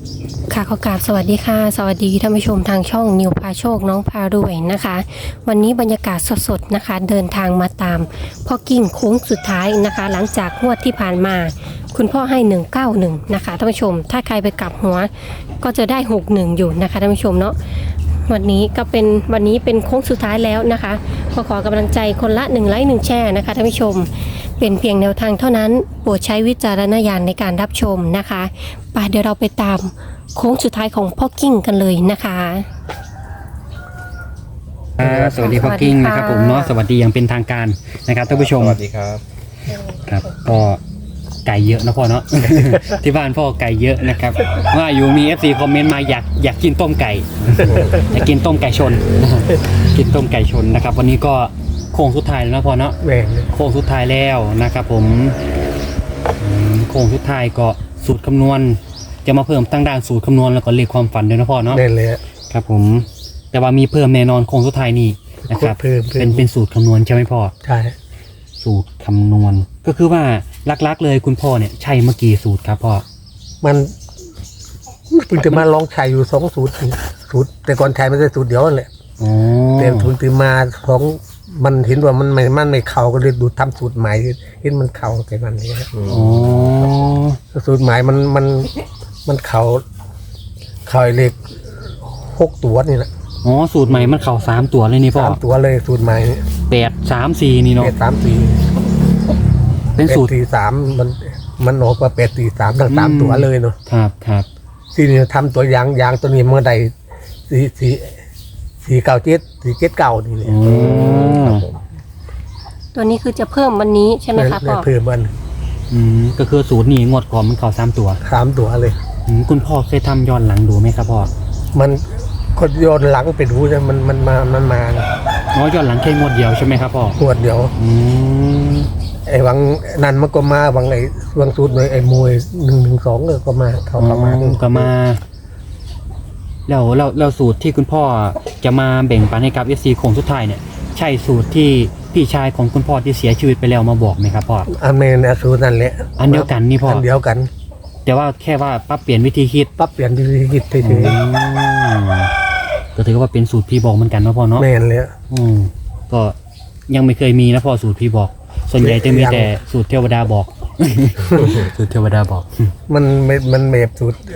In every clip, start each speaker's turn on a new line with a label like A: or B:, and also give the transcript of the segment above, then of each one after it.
A: ค่ะขอกราบสวัสดีค่ะสวัสดีท่านผู้ชมทางช่องนิวพาโชคน้องพารวยนะคะวันนี้บรรยากาศสดๆนะคะเดินทางมาตามพ่อกิ้งโค้งสุดท้ายนะคะหลังจากงวดที่ผ่านมาคุณพ่อให้191นะคะท่านผู้ชมถ้าใครไปกลับหัวก็จะได้61อยู่นะคะท่านผู้ชมเนาะวันนี้เป็นโค้งสุดท้ายแล้วนะคะขอกำลังใจคนละ1 ไลค์ 1 แชร์นะคะท่านผู้ชมเป็นเพียงแนวทางเท่านั้นโปรดใช้วิจารณญาณในการรับชมนะคะไปเดี๋ยวเราไปตามโค้งสุดท้ายของพ่อกิ้งกันเลยนะคะ
B: สวัสดีพ่อกิ้งนะครับผมเนาะสวัสดีอย่างเป็นทางการนะครับท่านผู้ชม
C: สวัสดีครับ
B: ครับก็ไก่เยอะนะพ่อเนาะ ที่บ้านพ่อไก่เยอะนะครับว่าอยู่มี FC คอมเมนต์มาอยากกินต้มไก่ อยากกินต้มไก่ชน กินต้มไก่ชนนะครับวันนี้ก็โค้งสุดท้ายแล้วนะพ่อเนาะ
C: แม่ง
B: โค้งสุดท้ายแล้วนะครับผมโค้งสุดท้ายก็สูตรคำนวณจะมาเพิ่มตั้งด่านสูตรคำนวณแล้วก็เลขความฝันด้วยนะพ่อเนาะ
C: แน่เลย
B: ครับผมแต่ว่ามีเพิ่มแน่นอนโค้งสุดท้ายนี่นะครับ
C: เพิ่ม
B: เป็นสูตรคำนวณใช่ไหมพ่อ
C: ใช่
B: สูตรคำนวณก็คือว่าลักๆเลยคุณพ่อเนี่ยใช่เมื่อกี้สูตรครับพ่อ
C: มันเพิ่งจะมาลองใช้อยู่2 สูตรแต่ก่อนใช้ไม่ได้สูตรเดียวนั่นแหละ
B: อ๋อ
C: แต่เพิ่งจะมามันเห็นว่ามันไม่เข้าก็เลยดูทำสูตรใหม่เห็นมันเข้าแต่มันนี้
B: อ๋อ
C: สูตรใหม่มันเข้าเลข6 ตัวนี่แหละ
B: อ๋อสูตรใหม่มันเข่า3 ตัวเลยนี่พ่อ
C: 3 ตัวเลยสูตรใหม่
B: 8 3 4นี่เนาะ
C: 8 3 4
B: เป็นสูตร
C: 8 4 3มันออกมา8 4 3ทั้ง3 ตัวเลยเนาะ
B: ครับครับ
C: ที่นี่ทำตัวยางตัวนี้เมื่อใด4 9 7 4 7 9นี่เลย
B: อ๋อ
A: ตัวนี้คือจะเพิ่มวันนี้ใช่ไหมคะพ่อ
C: เพิ่มมัน
B: ก็คือสูตรนี้งวดก่อนมันเข่า3 ตัว
C: 3 ตัวเลย
B: คุณพ่อเคยทำย้อนหลังดูไหมครับพ่อ
C: มันคนโยนหลังไปดูนะมันมา
B: อ๋อย้อนหลังแค่งวดเดียวใช่ไหมครับพ่อ
C: ขวดเดียว
B: อืม
C: ไอ้วังนั่นมันก็มาวังไอ้วังสูตรหน่อยไอ้มวย112ก็มาเข้ามา
B: ก็มาแล้วสูตรที่คุณพ่อจะมาแบ่งปันให้กับ FC โค้งสุดท้ายเนี่ยใช่สูตรที่พี่ชายของคุณพ่อที่เสียชีวิตไปแล้วมาบอกไหมครับพ่อ
C: อันเมนสูตรนั่นแหละ
B: อันเดียวกันนี่พ่อ
C: อันเดียวกัน
B: แต่ว่าแค่ว่าปรับเปลี่ยนวิธีคิด
C: ปั๊บเปลี่ยนวิธีคิดเฉย
B: ก็ถือว่าเป็นสูตรพี่บอกเหมือนกันนะพ่อเนาะ
C: ๆแมนเลย
B: ก็ยังไม่เคยมีนะพ่อสูตรพี่บอก ส่วนใหญ่จะมีแต่สูตรเทวดาบอก สูตรเทวดาบอก
C: มันแบบสูตร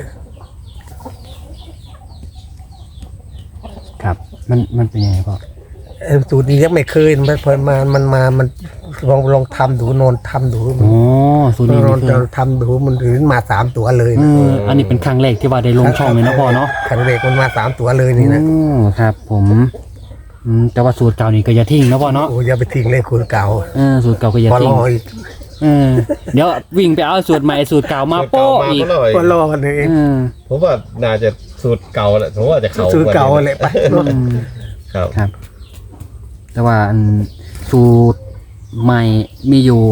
B: ครับ มันเป็นยังไงพ่อ
C: สูตรนี้ยังไม่เคยมันพอมันลองทำดูนอนทำดู
B: อ๋อสูตรนี้
C: น
B: ไม่
C: อน
B: เคย
C: ทำดูมันถึงมา3 ตัวเลย
B: อันนี้เป็นครั้งแรกที่ว่าได้ลงช่องเลยนะพ่อเนาะ
C: ครั้งแรกมันมา3 ตัวเลยนี่นะ
B: ครับผมแต่ว่าสูตรเก่านี่ก็อย่าทิ้งนะพ่อเนาะ
C: โอ้อย่าไปทิ้งเลยคุณเก่า
B: สูตรเก่าก็อย่า
C: พอ
B: ทิ้
C: รง ออีก
B: เดี๋ยววิ่งไปเอาสูตรใหม่สูตรเก่ามาโป้อีก
C: พอรอกันเอง
D: ผมว่าน่าจะสูตรเก่าแหละผมว่าจะเขา
C: สูตรเก่าแหละไป
D: ครับ
B: ครับ แต่ว่าสูตรใหม่มีอยู่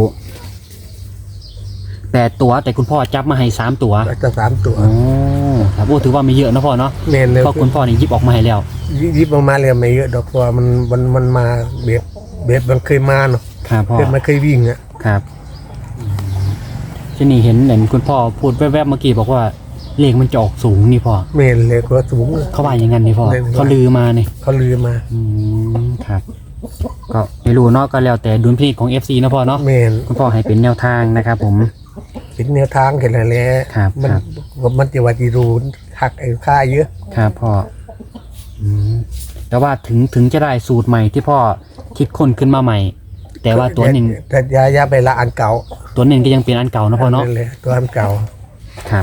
B: 8 ตัวแต่คุณพ่อจับมาให้3 ตัว
C: จะ3 ตัว
B: อ๋อครับโอ้ถือว่าไม่เยอะนะพ่อเนาะ
C: เมนเลย
B: เพราะคุณพ่อนี่หยิบออกมาให้แล้ว
C: ยิบออกมาเลยไม่เยอะดอกเพราะว่ามันมาเบียดมันเคยมาเนาะ
B: ครับพ่อ
C: มันเคยวิ่งอ่ะ
B: ครับที่นี่เห็นคุณพ่อพูดแวบๆเมื่อกี้บอกว่าเลขมันจะออกสูงนี่พ่อ
C: เมนเลยก็สูง
B: เขาว่าอย่างนั้นนี่พ่อ
C: เล่นว่า
B: เขาลือมานี่
C: เขาลือมา
B: ครับ ก็ไม่รู้เนาะก็แล้วแต่ดุลพินิจของ FC นะพ่อเนาะ
C: เมน
B: คุณพ่อให้เป็นแนวทางนะครับผม
C: เป็นแนวทางกันแหละ
B: ครับ
C: มัน
B: ครับ
C: มันจะว่าจีรูหักไอ้ค่าเยอะ
B: ครับพ่อแต่ว่าถึงจะได้สูตรใหม่ที่พ่อคิดค้นขึ้นมาใหม่ แต่ว่าตัวหนึ่ง
C: แต่ยาไปละอันเก่า
B: ตัวหนึ่งก็ยังเป็นอันเก่านะพ่อเนาะ
C: เลยตัวอันเก่า
B: ครับ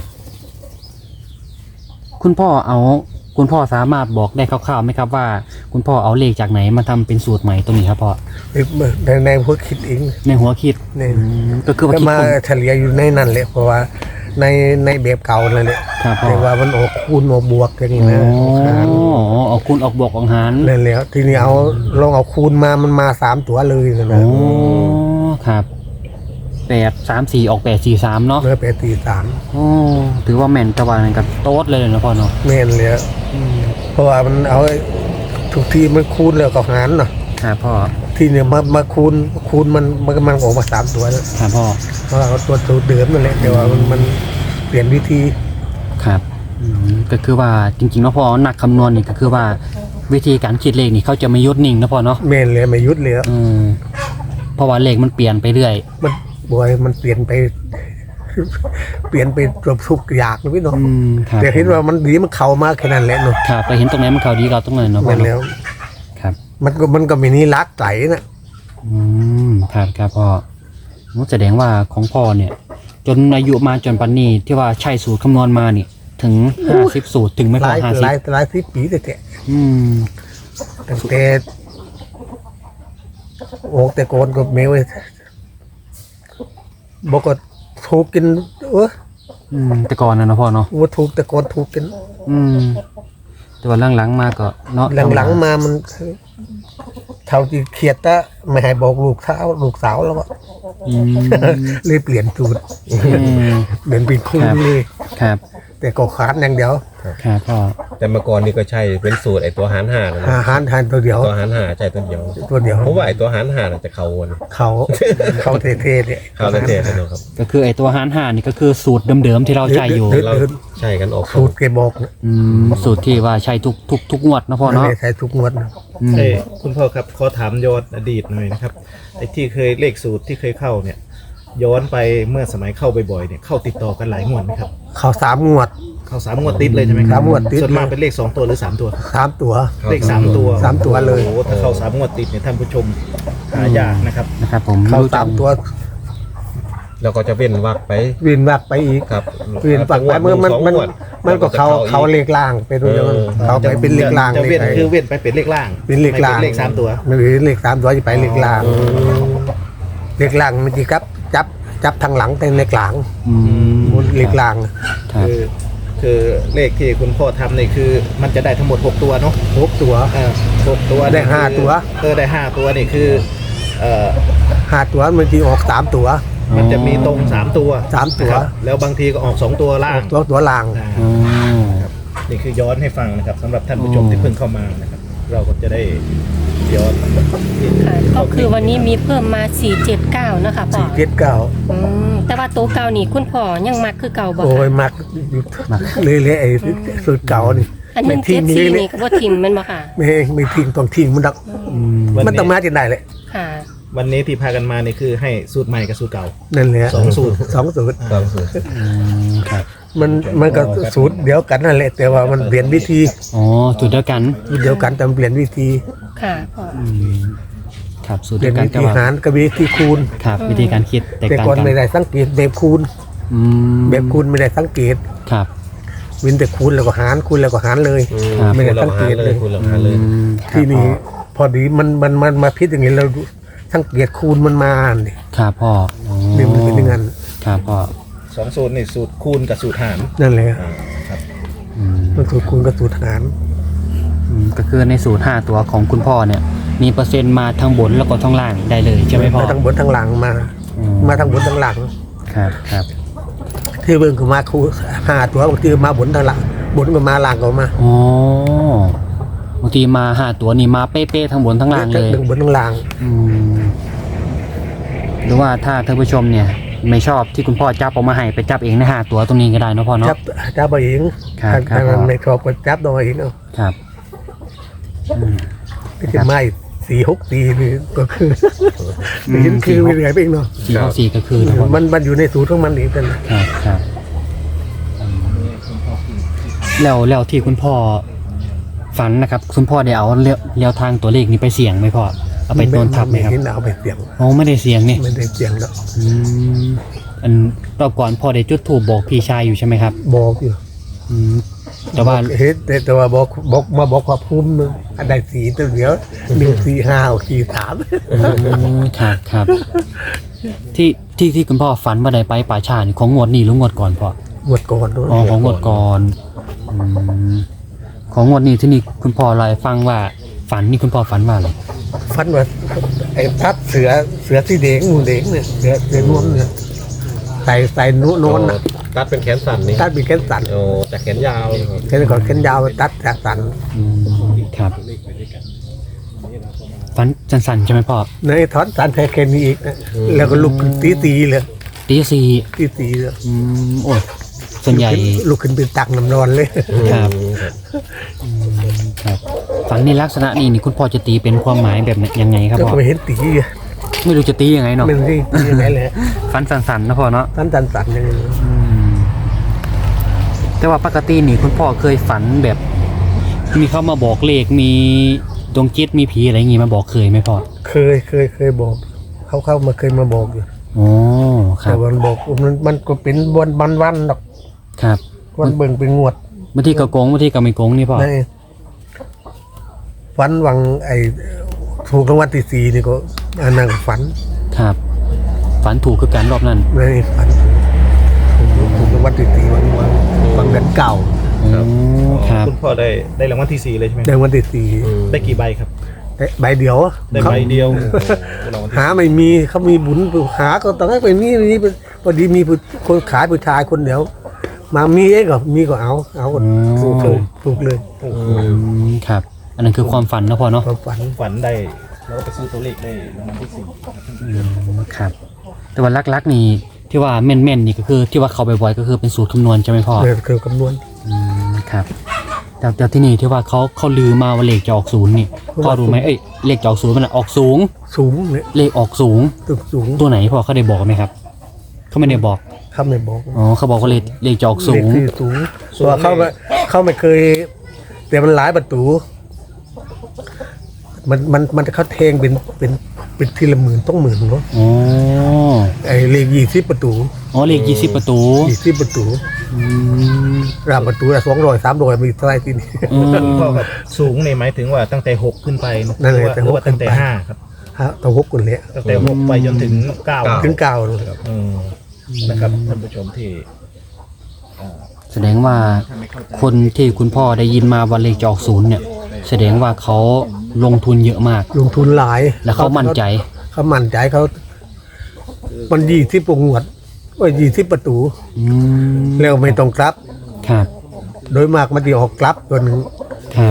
B: คุณพ่อสามารถบอกได้คร่าวๆไหมครับว่า คุณพ่อเอาเลขจากไหนมาทำเป็นสูตรใหม่ตรงนี้ครับพ่อ
C: ในพวกคิดเอง
B: ในหัวคิด
C: เนี่ย
B: ก็คือว่า
C: ก็
B: คิด
C: มา
B: คน
C: เฉลี่ยอยู่ในนั้นแหละเพราะว่าในแบบเก่านั่นแหละ
B: ครับพ่อ
C: แต่ว่ามันออกคูณออกบวกอย่างนี้
B: อ๋
C: นะ
B: อเอาคุณออกบวกออกหาร
C: นั่นแหละทีนี้ลองเอาคูณมามันมา3 ตัวเลยนะ
B: อ๋อครับ8 3 4ออก8 4 3เนาะ
C: เมื่อ8 4
B: อ๋อถือว่าแม่นตะวันกับโต๊ดเลยนะพ่อเนาะ
C: 3แม่นเลยเพราะว่ามันเอาทุกทีมันคูณแล้วก็หารเนาะ
B: ครับพ่อ
C: ทีนี้มาคูณมันออกมา3 ตัวแล้ว
B: ครับพ่อ
C: เพราะว่าเอาตัวเดิมนั่นแหละแต่ว่ามันเปลี่ยนวิธี
B: ครับก็คือว่าจริงๆแล้วพอนักคำนวณนี่ก็คือว่าวิธีการคิดเลขนี่เขาจะไม่หยุดนิ่งนะพ่อเนาะ
C: แม่นเลยไม่หยุดเลย
B: เพราะว่าเลขมันเปลี่ยนไปเรื่อย
C: มันบอยมันเปลี่ยนไป เปลี่ยนไปเกือบทุกอย่างเลยพี่น้อง
B: ครับ
C: แต่เห็นว่ามันดีมันเข้ามาแค่นั้นแหละเนาะ
B: ครับไปเห็นตรงไหนมันเขาดีเราตรงไหนเนาะพ่อ
C: แม่นแล้ว
B: ครับ
C: มันก็มีนี่รักไหลนะ
B: ครับพ่อแสดงว่าของพ่อเนี่ย จนอายุมาจนปัจจุบันนี้ที่ว่าใช้สูตรคำนวณมานี่ถึง50สูตรถึงไม่
C: ห
B: พอ
C: ลาย
B: 50
C: หลายสิบปีแต่ตั้งแต่โอ้แต่ก่อนก็ไม่เว้ยบอกก็ถูกกิน
B: แต่ก่อนนะเนาะพ่อเนาะ
C: ว่าถูกแต่ก่อนถูกกิน
B: แต่ว่าหลังๆมาก็เนาะ
C: หลังๆมามันเท่าที่เครียดตะไม่ให้บอกลูกสาวแล้วก็ เลยเปลี่ยนสูตรเปลี่ยนเป็นคู่เลย
B: ครับ
C: แต่ก็ขาดอย่างเดียว
B: ครับพ่อ
D: แต่เมื่อก่อนนี่ก็ใช่เป็นสูตรไอ้ตัวหารห้านะ
C: อาหารทานตัวเดียว
D: ตัวหารห้าใช่ตัวเดียว
C: ตัวเดียว
D: เพราะว่าไอ้ตัวหารห้าน่ะจะเข้าวน
C: เขาเท่ๆเนี่ย
D: เข้าแล้วเทนะเนาะครับ
B: ก็คือไอ้ตัวหาร5นี่ก็คือสูตรเดิมๆที่เราใช้อยู่
D: เราใช่กันออก
C: สูตรแกบอกนะ
B: สูตรที่ว่าใช้ทุกงวดนะพ่อ
C: ไม่
B: เนาะ
C: ได้ใช้ทุกงวดนะ
E: เอ้ยคุณพ่อครับขอถามย้อนอดีตหน่อยนะครับไอ้ที่เคยเลขสูตรที่เคยเข้าเนี่ย ย้อนไปเมื่อสมัยเข้าบ่อยๆเนี่ยเข้าติดต่อกันหลายงวดไหมครับ
C: เขา3 งวด
E: เข้า3 งวดติดเลยใช่ไหมครั
C: สามงวดติด
E: ส่วนมากเป็นเลข2 ตัวหรือ3 ตัว
C: 3 ตัว
E: เลข3 ตัว
C: 3 ตัวเลย
E: โอ้โหถ้าเข้า3 งวดติดเนี่ยท่านผู้ชมหายากนะครับ
B: นะครับผม
C: เขา
B: รู้จัก
C: 3 ตัว
D: แล้วก็จะเว้นวักไป
C: วินวักไปอีก
D: ครับ
C: วินวักไปเมื่อมันก็เขาเลขล่างไปด้วยเขาไปเป็นเลขล่าง
E: จะเว้น
C: ลข
E: คือเว้นไปเป็นเลขล่าง
C: เป็นเลขล่าง
E: ไม่เป็นเลข3 ตัว
C: ไม่เป็นเลข3 ตัวจะไปเลขล่างเลขล่างมันจะจับทางหลังเป็นเลขหลังบนเลขล่าง
B: ครับ
E: คือเลขที่คุณพ่อทำนี่คือมันจะได้ทั้งหมด6 ตัวเนาะ
C: 6 ตัว
E: 6 ตัว
C: ได้5 ตัว
E: ได้5 ตัวนี่คือ
C: 5 ตัวมันจะออก3 ตัว
E: มันจะมีตรง3 ตัว
C: 3 ตัว
E: นะครับแล้วบางทีก็ออก2 ตัวล่าง
C: ตัวล่าง
E: อ่า
B: อ๋อ
E: นี่คือย้อนให้ฟังนะครับสำหรับท่านผู้ชมที่เพิ่งเข้ามานะครับ เราก็จะได้ย้อน
A: ค่ะก็คือวันนี้มีเพิ่มมา479นะคะพ่อ
C: 479
A: แต่ว่าตัวเก่านี่คุณพ่อยังมักคือเก่าบ่
C: โอ้ย
A: ค่ะ
C: มักเลยไอ้สูตรเก่านี่
A: อันหนึง
C: ทิ้ง
A: 74
C: เลย
A: นี่ก็บ่ทิมแม่นบ่ค่ะ
C: ไม่ทิ้งต้องทิ้งมันดักมันต้องมาจนได้เลย
A: ค่ะ
E: วันนี้ที่พากันมานี่คือให้สูตรใหม่กับสูตรเก่า
C: นั่นแหละ
E: 2 สูตร
C: 2 สูตร
D: ตามสูตร
B: ครับ
C: มันก็สูตรเดียวกันนั่นแหละแต่ว่ามันเปลี่ยนวิธี
B: อ๋อสูตรเดียวกัน
C: สูตรเดียวกันแต่มันเปลี่ยนวิธี
A: ค่ะพ่อ
B: ครับสูตร
C: เปลี่
B: เดี
C: ย
B: ย
C: น
B: วกัน
C: วิธี
B: แต่ว่า
C: หารกับวิธีคูณ
B: ครับวิธีการคิดแตก
C: แต่
B: ต่าง
C: ก่อน
B: กัน
C: ไม่ได้สังเกตแบบคูณ
B: อืม
C: แบบคูณไม่ได้สังเกต
B: ครับ
C: วินแต่คูณแล้วก็หารคูณแล้วก็หารเลย
B: ครับ
C: ไม่ได้สังเกตเลย
D: คุณเราหารเลย
C: ที่นี่พอดีมันมาพิษอย่างนี้เราสังเกตคูณมันมาเนี่ย
B: ครับพ่ออ๋อ
C: นี่มันเป็นอย่างนั้น
B: ครับพ่อ
E: 2 สูตรนี่สูตรคูณกับสูตรหาร
C: นั่นแหละ
E: ครับ
B: อืม
C: มันสูตรคูณกับสูตรหาร
B: ก็คือในสูตร5ตัวของคุณพ่อเนี่ย มีเปอร์เซ็นต์มาทั้งบนแล้วก็ทั้งล่างได้เลยใช่ไหมพ่อ
C: มาทั้งบนทั้งหลังมา
B: อื
C: มาทั้งบนทั้งหลัง
B: ครับครับ
C: ที่เบิ่งคือมาคู5 ตัวบางทีมาบนทั้งหลังบนก็มาล่างก็มา
B: อ๋อบางทีมา5ตัวนี่มาเป๊ะๆทั้งบนทั้งล่างเลย
C: ทั้งบนทั้งล่าง
B: อืมหรือว่าถ้าท่านผู้ชมเนี่ย ไม่ชอบที่คุณพ่อจับออกมาให้ไปจับเองใน5ตัวตรงนี้ก็ได้เนอะพ่อเนาะ
C: จับเอาเอง
B: ครับ
C: ถ้า
B: ครับ
C: ในครอบก็จับเอาเองเอา
B: ครับอืม
C: ก็จะมาอีก4-6 ปีนี่ก็คือเห็นคือไม่เหนื่อยไปอีกเนาะ
B: 4 ก็คือนะพ่อ
C: มันอยู่ในสูตรของมันเองกัน
B: ครับครับแล้วที่คุณพ่อฝันนะครับ คุณพ่อได้เอาเลี้ยวทางตัวเลขนี้ไปเสี่ยงไหมพ่อเอาไปโดนทับไหมครับ
C: ไม่เอาไปเสี่ยง
B: อ๋อไม่ได้เสี่ยงนี่
C: ไม่ได้เสี่ยงแล้ว
B: อืมอันรอบก่อนพ่อได้จุดธูปบอกพี่ชายอยู่ใช่ไหมครับ
C: บอกอยู่
B: อืมแต่ว่า
C: เฮ็ดแต่ว่าบอกมาบอกความภูมินึงอันใดสีตัวเดียว1 4 5 4 3
B: ครับครับที่คุณพ่อฝันว่าได้ไปป่าชานี่ของงวดนี้หรืองวดก่อนพ่อ
C: หมดก่อนด้วย
B: อ๋อของงวดก่อนอืมของงวดนี้ที่นี่คุณพ่อเล่าให้ฟังว่าฝันนี่คุณพ่อฝันว่าอะไร
C: ฟันว่าไอ้ทัดเสือสีแดงหมูแดงเนี่ยเสือนวลเนี่ยใส่โน้นน่ะ
D: ตัดเป็นแขนสั้นนี่
C: ตัดเป็นแขนสั้น
D: โอ้แต่แขนยาว
C: แขนก่อนแขนยาวตัดจากสั้น
B: อืมครับฝันสั้นๆใช่ไหมพ่อ
C: ในถอนสั้นแค่นี้อีกนะแล้วก็ลุกตีเลย
B: ตีสี่
C: ตีเลย
B: โอ้ยส่วนใหญ่
C: ลุกขึ้นไปตักน้ำร้อนเลย
B: ครับครับฝันในลักษณะนี้นี่คุณพ่อจะตีเป็นความหมายแบบไหนยังไงครับ
C: แล้ว
B: พ่อ
C: ก็ไปเห็นตี
B: ไม่รู้จะตียังไงเนาะ
C: ไม่รู้ที่ตียังไงเลย
B: ฝันสั่นๆนะพ่อเนาะ
C: ท่านสั่นๆยังไง
B: แต่ว่าปกตินี่คุณพ่อเคยฝันแบบ มีเข้ามาบอกเลขมีดวงจิตมีผีอะไรอย่างงี้มาบอกเคยไหมพ่อ
C: เคยบอกเขามาเคยมาบอกอยู่
B: โอ้ครั
C: แต่
B: บ
C: วันบอกมันก็เป็นวันดอก
B: ครับ
C: วันเบิ่งเป็นงวด
B: บางทีก็โกงบางทีก็ไม่โกงนี่พ่อ
C: นี่ฝันวังถูกรางวัลที่สี่นี่ก็อันนั้นก็ฝัน
B: ครับ ฝันถูกคือการรอบนั้น
C: นี่ฝันถูกรางวัลที่สี่วันเดือนเก่า
B: โอ้ครับ
E: คุณพ่อได้รางวัลที่ 4 เลยใช่ไหม
C: ในวันที่สี่
E: ได้กี่ใบครับ
C: ได้ใบเดียว
E: ได้ใบเดียวรางวัลที่
C: หาไม่มีเขามีบุญหาก็ต้องให้ไปนี่พอดีมีคนขายผู้ชายคนเดียว มามีเองก็มีก็เอาก็ถูกเลย
B: ครับ อันนั้นคือความฝันนะพ่อเนาะ
C: ความฝัน
E: ฝันได้แล้วก็ไปซื้อตัวเลขได้รางวัลที่
B: ครับ แต่ว่าลักๆนี่ที่ว่าแม่นๆนี่ก็คือที่ว่าเขาบ่อยๆก็คือเป็นสูตรคำนวณใช่ไหมพ่อ
C: 4เนี่ยคือคำนวณ
B: ครับแต่ที่นี่ที่ว่าเขาลือมาว่าเลขจะออกศูนย์นี่พ่อรู้ไหมเลขจะออกศูนย์มันออกสูง
C: สูงเนี่ย
B: เลขออกสูง
C: ตึกสูง
B: ตัวไหนพ่อเขาได้บอกไหมครับเขาไม่ได้บอก
C: เขาไม่บอก
B: อ๋อเขาบอกว่าเลขจะออกสู
C: เลข
B: ง
C: ที่สูงตัวเขาไม่เคยแต่มันหลายประตูมันเขาเทงเป็นทีละหมื่นต้องหมื่นเนาะ
B: อ๋อ
C: ไอ้เลข20ประตู
B: อ๋อเลข20 ประตู
C: 20ประตู
B: อืม
C: รามประตูละ200 300มีเท่าไหร่ที่นี่
B: อืม
E: คุณพ่อครับสูงในหมายถึงว่าตั้งแต่ 6 ขึ้นไปนะ
C: นั่นแหละ
E: หรือว่า
C: ตั้
E: ตั้
C: ง
E: ง
C: แต่
E: แต่
C: 6
E: 5ครับ
C: ฮะตัว6คนเนี้ย
E: ตั้งแต่ 6 ไปจนถึง 9
C: ถึง9เลย
E: นะครับท่านผู้ชมที่
B: แสดงว่าคนที่คุณพ่อได้ยินมาว่าเลขจะออกศูนย์เนี่ย แสดงว่าเขาลงทุนเยอะมาก
C: ลงทุนหลาย
B: แล้วเขามั่นใจ
C: เขามั่นใจมัน20ประงวดว่า20ประตู
B: อืม
C: แล้วไม่ต้องกลับ
B: ครับ
C: โดยมากมันจะออกกลับตัวหนึง
B: ครับ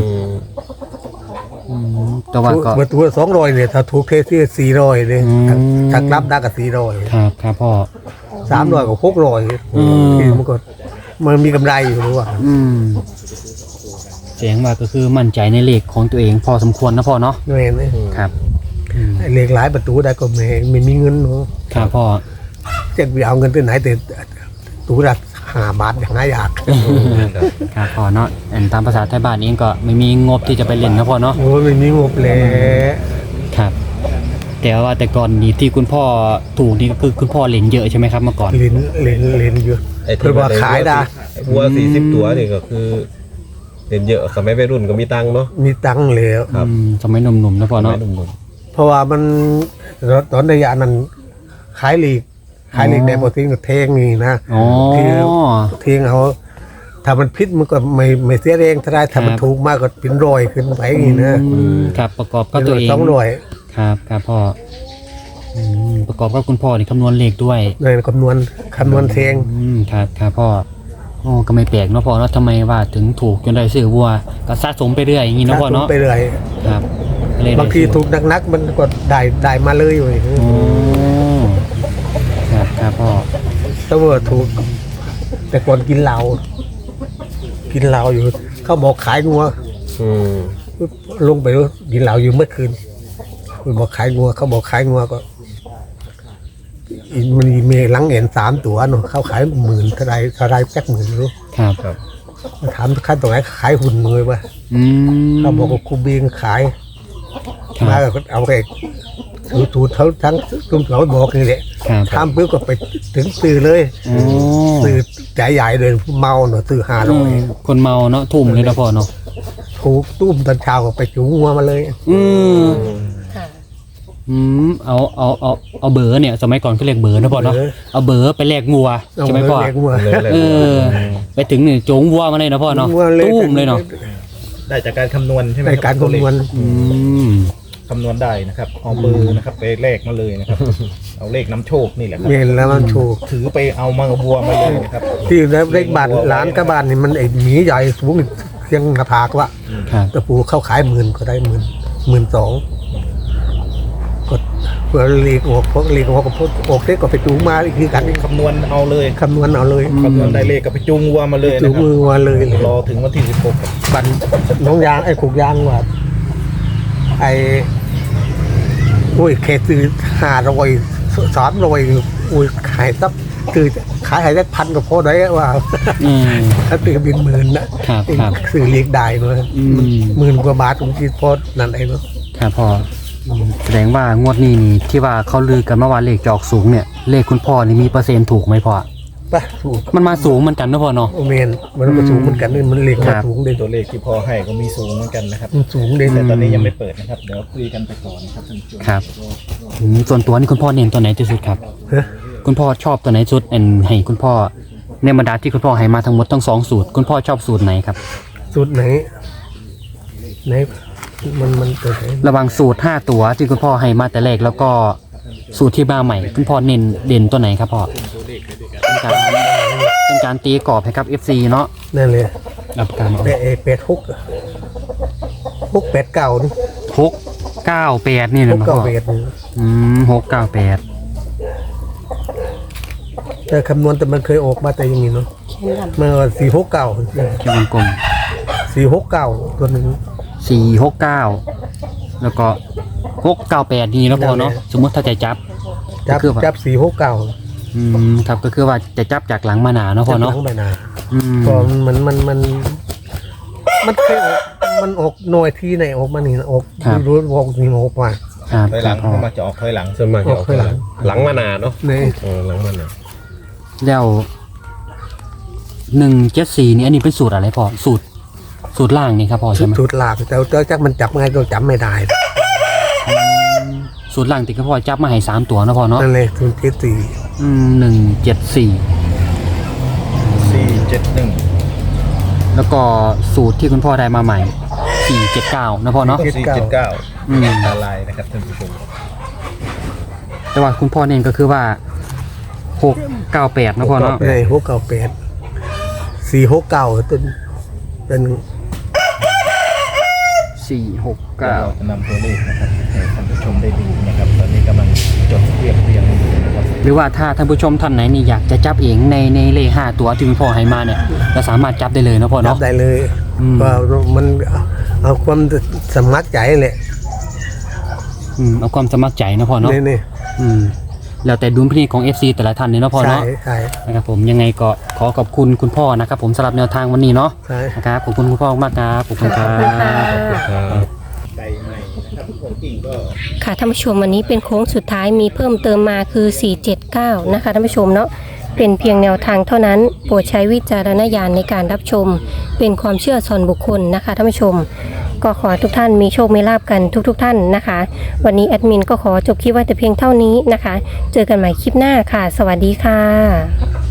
B: แต่ว่าก็
C: ประตูละ200เนี่ยถ้าถูกเทที่400เลย
B: อืม
C: ถ้ากลับได้ก็400
B: ครับครับพ่อ
C: 300กับ600
B: อืม
C: คือมันมีกำไรอยู่รู้ว่า
B: อืมแสดงว่าก็คือมั่นใจในเลขของตัวเองพอสมควรนะพ่อเนาะ
C: ไม่เห็นไหม
B: ครับอืม
C: ไอ้เลขหลายประตูได้ก็ไม่มีเงินเนาะ
B: ครับพ่อ
C: จะไปเอาเงินที่ไหนแต่ตู้ละ5 บาทอย่างไรอยาก
B: ครับพ่อเนาะอันตามภาษาไทยบ้านเองก็ไม่มีงบที่จะไปเล่นนะพ่อเนาะ
C: โอ้ยไม่มีงบแล้ว
B: ครับ แต่ว่าแต่ก่อนนี้ที่คุณพ่อถูกนี่ก็คือคุณพ่อเล่นเยอะใช่ไหมครับเมื่อก่อน
C: เล่นเยอะ
D: ไอ้
C: เพื่อว่าขายได้
D: วัว40 ตัวนี่ก็คือเห็นเยอะสมัยวัยรุ่นก็มีตังค์เนาะ
C: มีตังค์แล้ว
D: ครับ
B: สมัยหนุ่มๆนะพ่อ
D: สมั
B: เนาะ
D: ยหนุ่ม
C: เพราะว่ามันตอนระยะนั้นขายลีกได้พอทิ้งก็เทงนี่นะ
B: อ๋อ
C: เทงเอาถ้ามันพิษมันก็ไม่เสียแรงถ้าได้ถ้ามันถูกมากก็เป็นรอยขึ้นไปอย่างนี้นะครับ
B: ประกอบกับตัวเอง
C: 200
B: ครับครับพ่อประกอบกับคุณพ่อนี่คำนวณเลขด้วย
C: ในคำนวณเทง
B: ครับครับพ่อโอ้ก็ไม่แปลกเนาะพ่อเนาะทำไมว่าถึงถูกจนได้ซื้อวัวก็สะสมไปเรื่อยอย่างนี้เนาะพ่อเนาะ
C: ไปเรื่อย
B: ครับก็เลยได้
C: บางทีถูกนักๆมันก็ได้มาเลยอยู่
B: โอ้ครับครับพ่อ
C: ถ้าว่าถูก แต่ก่อนกินเหล้าอยู่เขาบอกขายงัว
D: ๆอืม
C: ลงไปกินเหล้าอยู่เมื่อคืนบอกขายงัวเขาบอกขายงัวก็มันมีหลังเห็น3 ตัวเนาะเขาขาย10,000เท่าไรแป๊ก10,000รู้
B: ครับ
D: ครับ
C: ถามขั้นตรงไหนขายหุ่นมือวะ
B: อืม
C: เขาบอกว่าครูเบียงขาย
B: ครับ
C: มาก็เอาไปถูเขาทั้งตุ้มเขาบอกนี่แหละ
B: ครับ
C: ทำปุ๊บก็ไปถึงซื้อเลย
B: โอ้
C: ซื้อใจใหญ่เลยเมาเนาะซื้อ
B: คนเมาเนาะทุ่มเลยนะพ่อเนาะ
C: ถูกตุ้มตอนเช้าก็ไปจูงงัวมาเลย
B: เอาเบอร์เนี่ยสมัยก่อนเขาเรียกเบอร์นะพ่อเนาะเอาเบอร์ไปแลกงัวใช่ไหมพ่อ
C: เาเลี้ยงงัว
D: เลยเลย
B: เออ ไปถึงนี่โจงวัวมาเลยนะพ่อเนาะ
C: งัว
B: ตุ้มเลยเนาะ
E: ได้จากการคำนวณใช่ไหม
C: ในการ
E: บตัวเล
C: คำน
E: ข
C: วณ
E: คำนวณได้นะครับเอาเบอร์นะครับไปเลขมาเลยนะครับ เอาเลขน้ำโชคนี่แหละครับ
C: เมนแล้วมันถูก
E: ถือไปเอามังบัวมาเลยนะครับ
C: ที่เลขบ้านร้านกับบ้านนี่มันไอ้หมีใหญ่สูงเพียงหน้าผากวะ
B: ครับ
C: ตะปูเข้าขาย10,000ก็ได้12,000ก็ผื่อเลีกออกพวกเลีกออกกับพวกออกเด็กก็ไปจูงมาอีกทีกัน
E: คำนวณเอาเลย
C: คำนวณเอาเลย
E: คำนวณได้เลขก็ไปจูงวัวมาเลย
C: จู
E: นะ
C: ง
E: ครับ
C: มือมาเลย
E: รอถึงวันที่16ครับ
C: บันน้องยางไอ้ขุกยางว่าไอ้โอ้ยเคซื้อ500 300อุ้ยขายซับคือขายให้ได้1,000ก็พอได้ว่า
B: อืม
C: ถ้าตื่นเป็นหมื่นนะครับ
B: ครับ
C: ซื้อเลีกได้เลย
B: อืม
C: 10,000 กว่าบาทผมคิดพอนั่นเองเนาะ
B: ครับพ่อแสดงว่างวดนี้นี่ที่ว่าเขาลือกันเมื่อวานเลขจะออกสูงเนี่ยเลขคุณพ่อนี่มีเปอร์เซ็นต์ถูกไหมพ่อ
C: ไปถูก
B: มันมาสูงเหมือนกันนะพ่อเนาะ
C: โอเมนมันก็สูงเหมือนกันนี่มันเลีก
B: ครั
C: มา
B: บ
C: สูงเลย
E: ตัวเลขที่พ่อให้ก็มีสูงเหมือนกันนะครับ
C: มันสูงเลย
E: แต่ตอนนี้ยังไม่เปิดนะครับเดี๋ยวคุยกันไปก่อนนะครับท่านผู้ชม
B: ครับส่วนตัวนี่คุณพ่อเน้นตัวไหนที่สุดครับ
C: ฮะ
B: คุณพ่อชอบตัวไหนสุดให้คุณพ่อในบรรดาที่คุณพ่อให้มาทั้งหมดทั้ง2สูตรคุณพ่อชอบสูตรไหนครับ
C: สูตรไหนมันตัวไหน
B: ระหว่างสูตร5ตัวที่คุณพ่อให้มาแต่แรกแล้วก็สูตรที่มาใหม่คุณพ่อเน้นเด่นตัวไหนครับพ่อเป็นการตีกรอบให้ครับ FC เนาะ
C: นั่นเลย
B: รับการเอา
C: 689นี่
B: 698นี่นะพ่อ
C: 698
B: 698
C: แต่คำนวณแต่มันเคยออกมาแต่อย่างนี้เนาะมันว่า469
B: แค่วงกลม
C: 469ตัวหนึง
B: 469แล้วก็698นี่นะพ่อเนาะสมมุติถ้าจะจับ
C: จับ
B: ก็คือว่า
C: จับ469
B: ครับก็คือว่าจะจับจากหลังมาหนาเนาะพ่อเนาะ
C: จับหลังใบหน้า
B: อืม
C: พอมันเคยออกมันออกหน่วยที่ไหนออกมานี่นะออกรู้ออกนี่ออกมา
B: ครับ
E: ถอยหลังเข้ามาจะออกถอยหลัง
D: ส่วนมากจะออก
C: ออกข้างหลัง
D: หลังมานาเนาะ
C: นี่
D: หลังมานา
B: แล้ว174นี่อันนี้เป็นสูตรอะไรพ่อสูตรล่างนี่ครับพ่อใช่ไหม
C: สุดหลากแต่จักมันจับไงก็จำไม่ได้
B: สูตรล่างติดกับพ่อจับมาให้3ตัวนะพ่อเนาะ
C: นั่นเลยทุนเจ็ดสี่
B: 174
E: 471
B: แล้วก็สูตรที่คุณพ่อได้มาใหม่479นะพ่อเนาะ
E: 479
B: อืม
E: อะไรนะครับท่านผู้ชม
B: แต่ว่าคุณพ่อเน้นก็คือว่า698นะพ่อเนาะ
C: ใน698 469ต้นเป็น
E: เราจะนำตัวเลขนะครับให้ท่านผู้ชมได้ดูนะครับ ตอนนี้กำลังจดเรียงอยู่นะครับ
B: หรือว่าถ้าท่านผู้ชมท่านไหนนี่อยากจะจับเองในเลข5ตัวที่คุณพ่อให้มาเนี่ยเราสามารถจับได้เลยนะพ่อ
C: จั
B: เนาะ
C: บได้เลย
B: อืม
C: ก็มันเอาความสมัครใจแหละ
B: เอาความสมัครใจนะพ่อเนาะ
C: นี่
B: อืมแล้วแต่ดุลพินิจของ FC แต่ละท่านเนี่ยเนาะพ่อ
C: ใช่
B: เนาะ
C: ใช่
B: นะครับผมยังไงก็ขอขอบคุณคุณพ่อนะครับผมสำหรับแนวทางวันนี้เนาะ
C: ใช่
B: นะครับขอบคุณคุณพ่อมากครับขอบคุณครับ
E: ไก่ใหม่นะครับของจริงก็
A: ค่ะท่านผู้ชมวันนี้เป็นโค้งสุดท้ายมีเพิ่มเติมมาคือ 479 นะคะท่านผู้ชมเนาะเป็นเพียงแนวทางเท่านั้นโปรดใช้วิจารณญาณในการรับชม เป็นความเชื่อส่วนบุคคลนะคะท่านผู้ชม ก็ขอให้ทุกท่านมีโชคมีลาภกันทุกท่านนะคะ วันนี้แอดมินก็ขอจบคลิปไว้แต่เพียงเท่านี้นะคะ เจอกันใหม่คลิปหน้าค่ะ สวัสดีค่ะ